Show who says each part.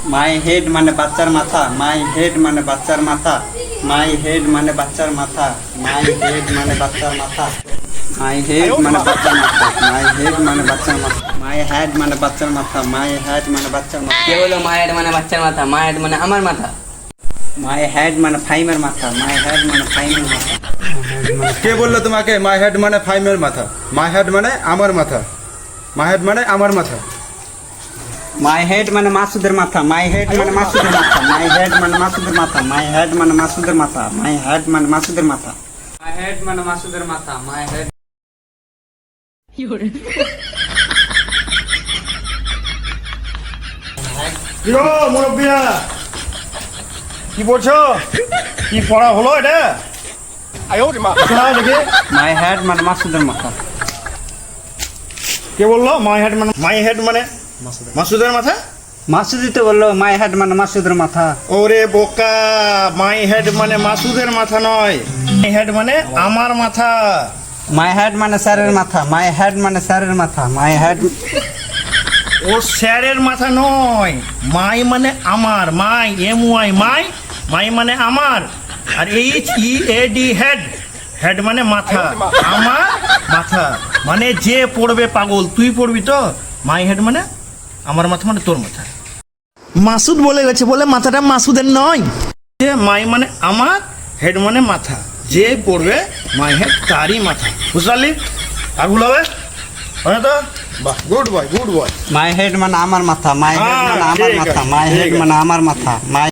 Speaker 1: মাই head মানে বাচ্চার মাথা, মাই হেড মানে বাচ্চার মাথা, মাই হেড মানে বাচ্চার মাথা, মাই হেড মানে বাচ্চার মাথা, মাই হেড মানে বাচ্চার মাথা, মাই হেড মানে বাচ্চার মাথা, মাই হেড মানে বাচ্চার মাথা, মাই হেড মানে বাচ্চার মাথা।
Speaker 2: কে বললো মাই হেড মানে বাচ্চার মাথা? মাই হেড মানে আমার মাথা।
Speaker 1: মাই হেড মানে ফাইমের মাথা, মাই হেড মানে ফাইমের মাথা।
Speaker 3: কে বললো তোমাকে মাই হেড মানে ফাইমের মাথা? মাই হেড মানে আমার মাথা, মাই হেড মানে আমার মাথা।
Speaker 1: মাই হেড মানে মাসুদের মাথা, মাই হেড মানে মাসুদের মাথা, মাই হেড মানে মাসুদের মাথা, মাই হেড মানে মাসুদের মাথা, মাই হেড মানে মাসুদের মাথা, মাই হেড মানে মাসুদের মাথা, মাই হেড।
Speaker 4: কিরো মুরব্বিয়া, কি পড়ছো? কি পড়া হলো এটা? শোনাও দেখি।
Speaker 1: মাই হেড মানে মাসুদের মাথা।
Speaker 4: কে বললো মাই হেড মানে মাসুদের মাথা?
Speaker 1: মাসুদি তো বললো মাই হেড মানে মাসুদের মাথা।
Speaker 4: ওরে বোকা, মাই হেড মানে মাসুদের মাথা নয়, মাই হেড মানে আমার মাথা।
Speaker 1: মাই হেড মানে স্যারের মাথা, মাই হেড মানে স্যারের মাথা, মাই হেড।
Speaker 4: ও স্যারের মাথা নয়, মাই মানে আমার, মাই MY মাই, মাই মানে আমার, আর HEAD হেড, হেড মানে মাথা, আমার মাথা মানে যে পড়বে পাগল, তুই পড়বি তো? মাই হেড মানে আমার মাথা মানে তোর মাথা। মাসুদ বলে গেছে বলে মাথাটা মাসুদের নয়। যে মাই মানে আমার, হেড মানে মাথা, যে পড়বে মাই হেড তারই মাথা, বুঝলি? আর ভুল হবে তো? বাহ, good boy, good boy.
Speaker 1: My head মানে আমার মাথা, মাই হেড মানে আমার
Speaker 4: ঠিক
Speaker 1: মাথা,
Speaker 4: আছে,
Speaker 1: মাই
Speaker 4: ঠিক
Speaker 1: হেড
Speaker 4: আছে।
Speaker 1: মানে আমার মাথা, মাই